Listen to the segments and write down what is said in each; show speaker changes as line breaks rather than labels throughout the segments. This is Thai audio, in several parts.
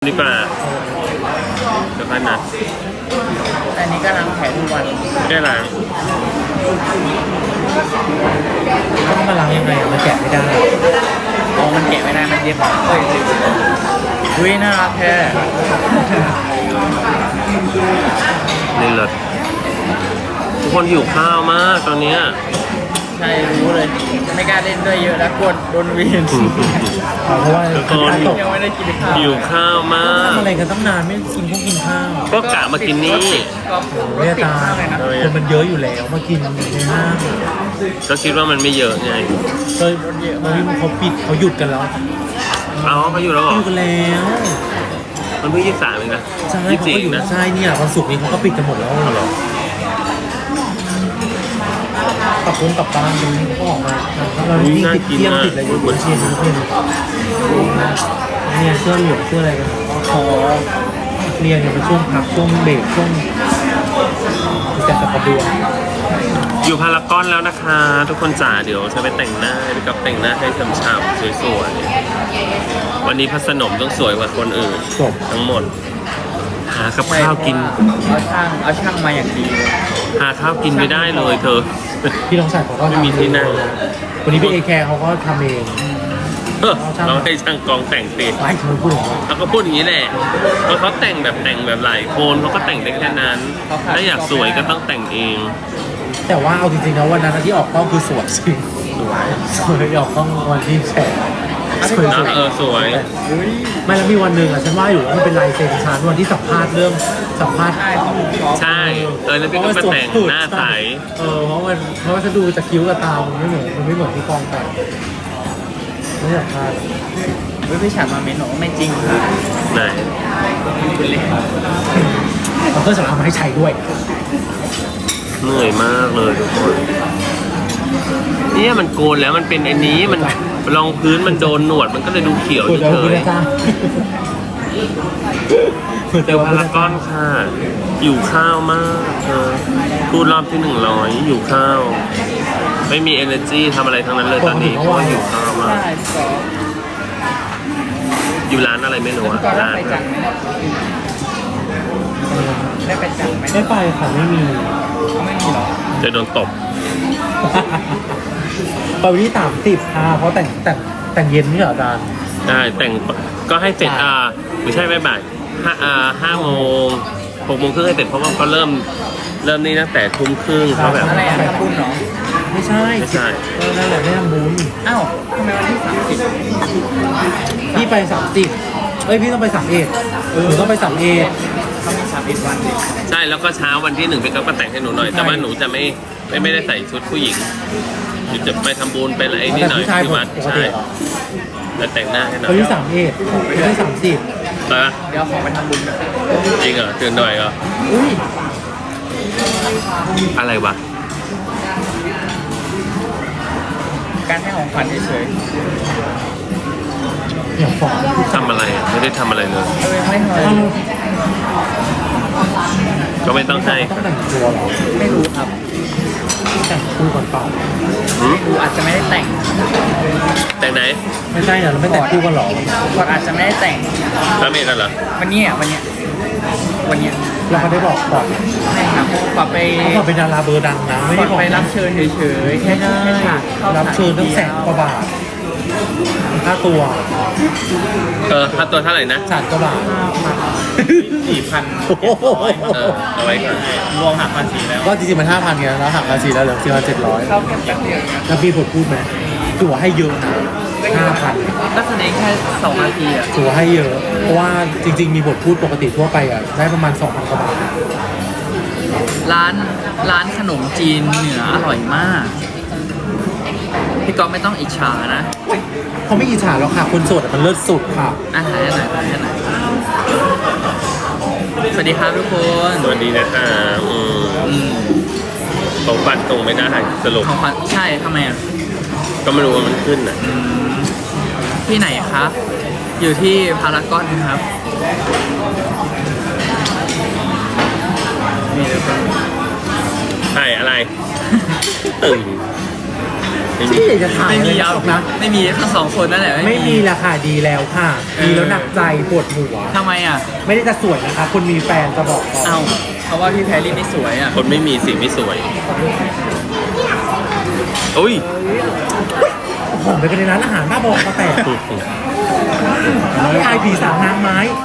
ดีกว่าเดี๋ยวค่อยนัด
แต่อันนี้ก็ล้างแผลทุกวัน
ได้ล้าง
ต้องมาล้างยังไงมันแกะไม่ได้
อ๋อมันแกะไม่ได้มันเย็บเฮ้ยอุ้ยน่ารักแท้
นี่เลยทุกคนหิวข้าวมากตอนเนี้ย
ใช่รู้เลยไม่กล้าเล่นด้วยเยอะแล้วกดโดนเวียน
เพราะว่า
ทุกคน
ยังไม่ได้กินข้าว
หิวข้าวมาก
ทำอะไรกันตั้งนานไม่กินข้าว
ก็กะมากินนี่
ก็รถ
เรีย
ติด
ตาม
ากเลยนะ
คนมันเยอะอยู่แล้วมากินในห้าง
ก็คิดว่ามันไม่เยอะไง
ก็มันเขาปิดเขาหยุดกันแล้ว
เอาเขาอยู่แล้วเหรอ
หยุดกันแล้ว
มันเพิ่ง23เองนะ
ใช่เขาก็อยู่
นะ
ใช่เนี่ยวันศุกร์นี้เขาก็ปิดกันหมดแล้ว
เหรอ
กลับบ้านกันเขาออกมาเราที่ติดเที่ยงติดอะไรอยู่บนเชียงเพื่อนเนี่ยเสื้อเหลืองเสื้ออะไรกันคอเรียนเนี่ยเป็นช่วงพักช่วงเบรกช่วงจัดกระดวง
อยู่พารากอนแล้วนะคะ ทุกคนจ๋าเดี๋ยวจะไปแต่งหน้าไปกับแต่งหน้าให้ฉ่ำๆสวยๆวันนี้พัสนมต้องสวยกว่าคนอื่น
จบ
ทั้งหมด หากับข้าวกิน
เอาช่างมาอย่างดีเลย
หาข้าวกินไม่ได้เลยเธอ
พี่น้องชายเขาก็
ไม่มีที่นั่ง
วันนี้พี่เอแคร์เขาก็ทำเอง
เราให้ช่างกองแต่งตี
ไม่เคยพูดหรอก
เขาก็พูดอย่างนี้แหละเพราะเขาแต่งแบบหลายคนเขาก็แต่งได้แค่นั้น ถ้าอยากสวยก็ต้องแต่งเอง
แต่ว่าเอาจริงๆนะวันนั้นที่ออกกล้องคือสวยจริงสวยออกกล้องวันที่แฉสวย
นะสวย
ไม่แล้วมีวันหนึ่งอ่ะฉันว่าอยู่ว่ามันเป็นลายเซ็นฉันวันที่สัมภาษณ์เรื่องสัมภาษณ์
ใช่ของชอบ
ใช่แล้วพี่ก็มาแต่งหน้าใส
เพราะว่าฉันดูจากคิ้วกับตามันไม่เหมือนที่กองแต่งไม่สัมภาษณ์
เฮ้ยพี่ฉันมาเมนบอกว่าไม่จริงค่ะ
ไหน
คุณเล่น
เอาเครื่องสำอางมาให้ใช้ด้วย
เหนื่อยมากเลยทุกคนเนี่ยมันโกนแล้วมันเป็นอันนี้มันรองพื้นมันโดนหนวดมันก็เลยดูเขียว
คุณ
เฉ
คุณ
ย
อาจารย์
ๆเจอพารากอนค่ะอยู่ข้าวมากเธอพูดรอบที่100อยู่ข้าว ไม่มี energy ทำอะไรทั้งนั้นเลยตอนนี้เพราะว่าอยู่ข้าวมาก
ใช่พี่กอล์ฟ
อยู่ร้านอะไรไม่รู้
พี่
อะ
กอล์ฟได้
ร้าน
ไปจังไหมได้ไปจังไหม
ไม่ไปค่ะไม่มี
เขาไม่มีหรอ
จะโดนตบ
ไปวันที่30ค่ะเพราะแต่งเย็นนี่เหรออาจารย์
ได้แต่งก็ให้เสร็จไม่ใช่บ่าย5 โมง6 โมงครึ่งให้เสร็จเพราะว่าเขาเริ่มนี่ตั้งแต่ทุ่มครึ่งเขาแบบ
อะไรอ่ะทำบุญเหรอ
ไม่ใช่
ไม่ใช่
นั่นแหละไม่ทำบุญ
อ้าวทำไมวันที่30
พี่ไป30พี่ต้องไป31หนูต้องไป31
เขามี31วันดิ
ใช่แล้วก็เช้าวันที่1พี่ก็แต่งให้หนูหน่อย แต่ว่าหนูจะไม่ได้ใส่ชุดผู้หญิงหนูจะไปทำบุญไปอะไรนี่
แต่
หน่อย
ผู้ชาย
ที่วัด
ปก
ใช่
ติเหรอ
แล้วแต่งหน้าให้หน่อ
เขา
ย
ที่31ไม่ใช่30
ไปปะ
เดี๋ยวของไปทำบุญกัน
จริงเหรอตื่นหน่อยเหรอ
อุ้ย
อะไรวะ
การให้ของขวัญเฉย
อย่าฟ้อง
ทำอะไรอะไม่ได้ทำอะไรเลย
ๆไม่เคย
ก็ไม่ต้องให้
ต้องแต่งตัวเหรอ
ไม่รู้ครับ
แต่งคู่ก่อนเปล่า
หืม
ดูอาจจะไม่ได้แต่ง
แต่งไหน
ไม่ใช่เหรอเราไม่แต่งคู่กันเหรอ
ก่อนอาจจะไม่ได้แต่ง
พระเมรุเหรอ
วันเนี้ย
เราเขาได้บอกก่อน
ไม่ครับก่อนไป
เขาบอกเป็นดาราเบอร์ดังนะไม่
ก่
ได้
อน
บอก
ไปรับเชิญเฉยๆแค่
ไม่ได้
ฉากข้า
รับเชิญตั้ง100,000 กว่าบาทค่าตัว
ค่าตัวเท่าไหร่นะ
100,000 กว่าบาท
4,000
โอ้โห
เอาไว้ก่อน
รวมหักภาษีแล้ว
ก็จริงๆมัน 5,000ไงแล้วหักภาษีแล้วเหลือ4,700
เข้าแค่แป๊บเดียว
แล้วพี่บทพูดไหมถือว่าให้เยอะนะ5,000
นักแสดงแค่2 นาทีอ่ะ
ถือว่าให้เยอะ เพราะว่าจริงๆ มีบทพูดปกติทั่วไปอ่ะได้ประมาณ 2,000 กว่าบาท
ร้านขนมจีนเหนืออร่อยมาก พี่ก๊อฟไม่ต้องอิจฉานะ
เขาไม่อิจฉาหรอกค่ะ คนโสดอะมันเลิศสุดค่ะ
อาหารไหนสวัสดีครับทุกคน
สวัสดีนะคะของฟันตรงไม่ได้สรุป
ของขวัญใช่ทำไมอ่ะ
ก็ไม่รู้ว่ามันขึ้นอ่ะ
ที่ไหนครับ อยู่ที่พารากอนครับนี่เลยครับ
ใช่อะไร ตึง
ที่อยากจะถ่าย
ไม่
อะไร
มี
หรอกนะ
ไม่มีทั้งสองคนนั่นแหละ
ไม่มีราคาดีแล้วค่ะมีแล้วหนักใจปวดหัว
ทำไมอ่ะ
ไม่ได้จะสวยนะคะคนมีแฟนจะบอกก่อน
เอ้าเพราะว่าพี่แพรรี่ไม่สวยอ่ะ
คนไม่มีสิ่งไม่สวยอุ้ย
หอมไปกันในร้านอาหารบ้าบอกมาแตกไม่อายผีสางนางไม้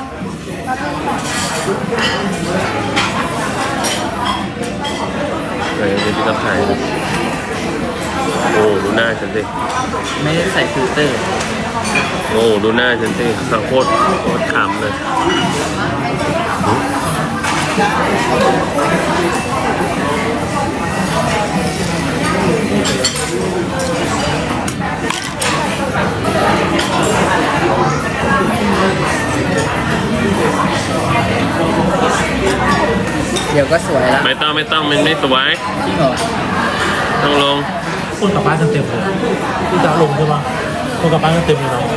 เดี๋ยวพี่ต้องถ่ายโอ้ดูหน้าฉันสิ
ไม่ได้ใส่ฟิลเตอร์
โอ้ดูหน้าฉันสิโคตรขำเลย
เดี๋ยวก็สวยละ
ไม่ต้องมันไม่สวย
จริงเหรอ
ต้องลง
คนกลับบ้านเต็มเลยพี่จะลงใช่ปะคนกลับบ้านเต็มเลยเนาะ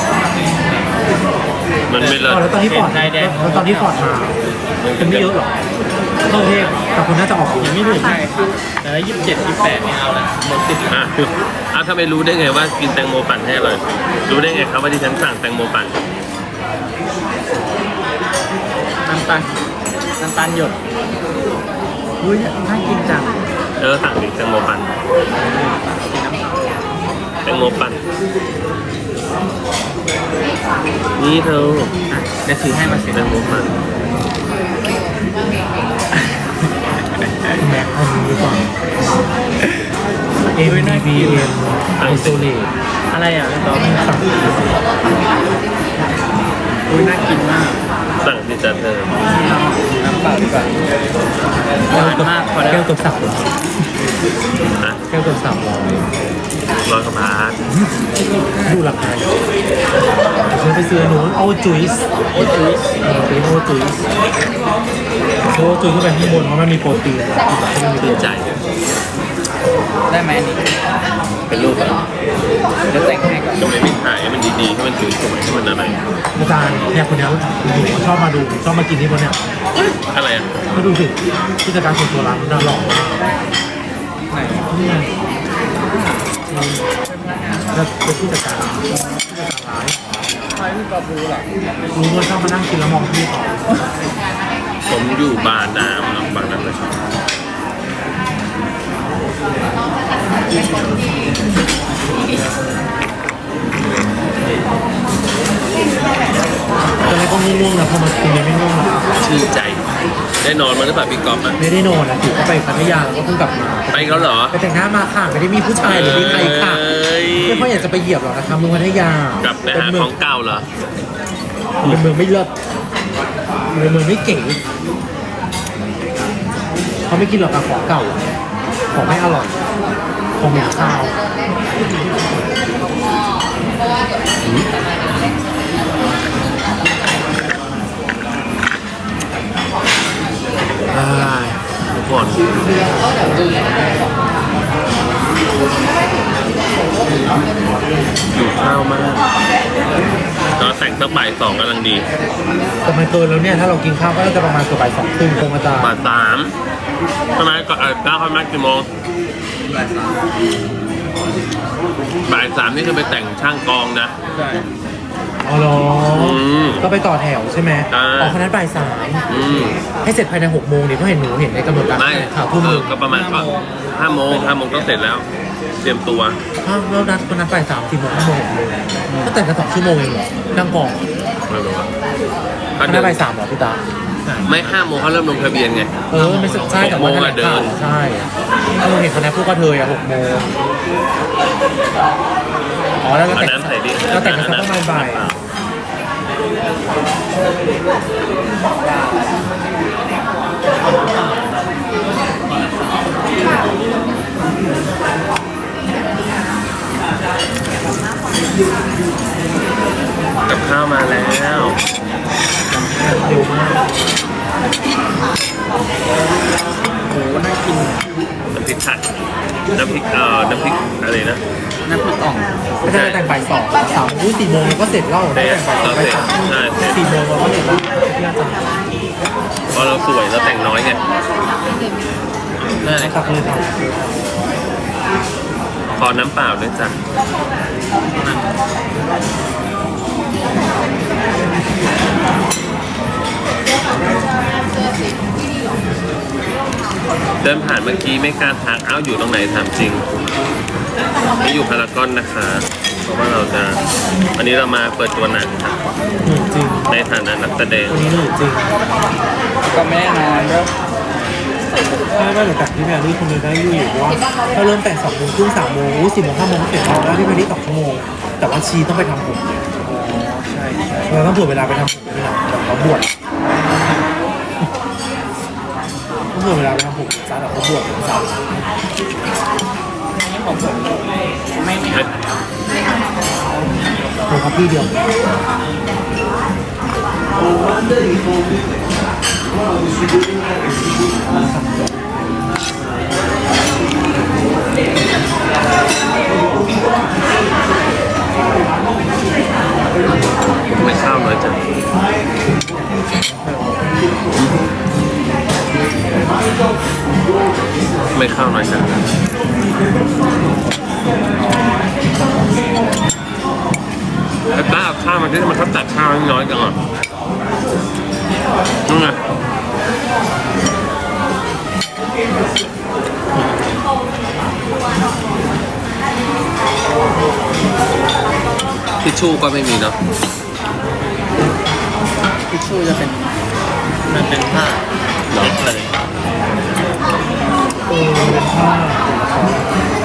มันไม่เลิศ
แล้วตอนนี้ฟอร์ดแล้วตอนนี้ฟอร์ดมาเป็นไม่เยอะหรอเข้ากรุงเทพแต่คนน่าจะออกยังไม่ถึง
ใช่แต่ละ27-28เนี่ยเอาละหมดติด
ถ้าไม่รู้ได้ไงว่ากินแตงโมปั่นให้อร่อยรู้ได้ไงครับว่าที่ฉันสั่งแตงโมปั่น
น้ำตาลหยดอุ้ยน่ากินจัง
สั่งดิแตงโมปั่นแตงโมปั่นนี่เธอ
อ่ะเดี๋ยวถือให้มาเสร็จ
แตงโมปั่น
แม็กเอานี้ดีกว่า MBBM ไอโซเลต
อะไรอ่ะพี่ต๊อบ
สั่ง
อุ้ยน่ากินมาก
สั่งที่จะเธอ
น้ำเปล่าดีกว่าหวานมากพอแล้ว
แก้วตัวสับ
นะ
แก้วตัวสับ
ร้
ร้อย
อยกว่าบาท
ดูราคาฉันไปซื้อหนูโอจุยส์เป็นโอจุยส์โอจุยส์ขึ้นไปข้างบนเพราะมันมีโปรตีนมันมี
ดีใจ
ได้ไหมอันนี้
เป็นรูปอะไร
เดี๋ยวแต่งให้ก่อน
ทำไมไม่ถ่ายให้มันดีๆให้มันสวยๆให้มันอะไร
อาจารย์เนี่ยคนนี้ดูชอบมาดูชอบมากินที่บนเนี่ย
อะไรอ่ะ
ก็ดูสิผู้จัดการส่วนตัวร้านน่าหล่อ
ไหน
นี่แล้วเป็นผู้จัดการร้าน
ใครพี่ต๊อบรู้หรอ
รู้ว่าชอบมานั่งกินแล้วมองพี่เขา
ผมอยู่บาร์น้ำบาร์นั้นเลย
ตอนนี้ก็ง่วงๆนะพอมากินเนี่ยไม่ง่วงหรอก
ชื่นใจ ได้นอนมาหรือเปล่าพี่ก๊อฟอ่ะ
ไม่ได้นอนนะถือก็ไปพัทยาแล้วก็เพิ่งกลับมา
ไปเขาเหรอ
ไปแต่งหน้ามาค่ะไม่ได้มีผู้ชายหรือมีใครค่ะ
เอ้ย
ไม่ค่อยอยากจะไปเหยียบหรอกนะคะเมืองพัทยาก
ลับไปหา
เป็นเมื
ของเก่าเหรอ
เป็นเมืองไม่เลิศเป็นเมืองไม่เก๋เขาไม่กินหรอกค่ะของเก่าของไม่อร่อยของเหม็นข้าว
ทุกคนอยู่ข้าวมากตอนแต่งตั้งบ่ายสองกำลังดี
แต่มันเกินแล้วเนี่ยถ้าเรากินข้าวก็จะประมาณเกือบบ่ายสองครึ่งคงอาจารย์
บ่ายสามใช่ไหมก็ก้าวเข้ามากี่โมงบ่ายสามนี่คือไปแต่งช่างกองนะ
ใช่
อ๋อเหรอ
ม
ก็ไปต่อแถวใช่ไหม
ใช่
อ๋อคณะบ่ายสาม ให้เสร็จภายใน6 โมงดิเพราะเห็นหนูเห็นในกำหนดการ
ไม่
ข่าวทุ่มหนึ่ง
ก็ประมาณก็5 โมงต้องเสร็จแล้ว เตรียมตัว
อ้าวแล้วนัดคนนัดบ่าย3 4 โมง5 โมง6 โมงก็แต่งกัน2 ชั่วโมงเองเหรอนั่งกอง
ไม่รู้ว่า
คณะบ่าย3เหรอพี่ตา
ไม่5 โมงเขาเริ่มลงทะเบียนไง
ไม่ใช่แต่ว่า
6 โมงอะ
แถลงข่าว
เดิน
ใช่ถ้าเราเห็นคณะพวกกระเทย6 โมงอ๋อแล้วเรา
อัน
แต่ง
นั้นใส่ดิ
เราแต่งกันสักประมาณบ่าย
กับข้าวมาแล้ว
เร็วมาก
โหน่ากิน
น้ำพริกผัดน้ำพริกอะไรนะ
น้ำพริกอ่อง
ก็จะแต่งบ่าย2 3 4 โมงก็เสร็จแล้ว
เสร็จ
แต่งบ่าย
เราเสร็จ
3
ใช่เสร็จ
4 โมงเราก็เสร็จแล้วที่อาจารย์
เพราะเราสวยเราแต่งน้อยไง
นั่นแหละ
ตักเลยค่ะ
ขอน้ำเปล่าด้วยจ้ะเดินผ่านเมื่อกี้ไม่กล้าทักเอ้าอยู่ตรงไหนถามจริงไม่อยู่พารากอนนะคะ เพราะว่าเราจะวันนี้เรามาเปิดตัวหนังค่ะ
เหนื่อยจริง
ในฐานะนักแสดง
วันนี้เหนื่อยจริง
ก็ไม่ได้นอนด้วย
ถ้าว่าหลังจากที่แพรรี่คนเดียวได้อยู่เพราะว่าถ้าเริ่มแต่2 โมงครึ่ง3 โมง4 โมง5 โมงเสร็จแล้วได้ที่แพรรี่2 ชั่วโมงแต่ว่าชีต้องไปทำผม
ใช่
เราต้องเผื่อเวลาไปทำผมด้วยนะแบบเขาบวชต้องเผื่อเวลาไปทำผมซะแบบเขาบวชซะ
นี่ผมไม่
ผมครับพี่เดียว
ไม่ข้าวน้อยจังไม่ข้าวน้อยจังแต่ต้าเอาข้าวมาที่มันเขาตัดข้าวน้อยจังอ่ะนู่นไงทิชชู่ก็ไม่มีเนาะ
ทิชชู่จะเป็นมันเป็นผ้าเล็กเลย
เป็นผ้า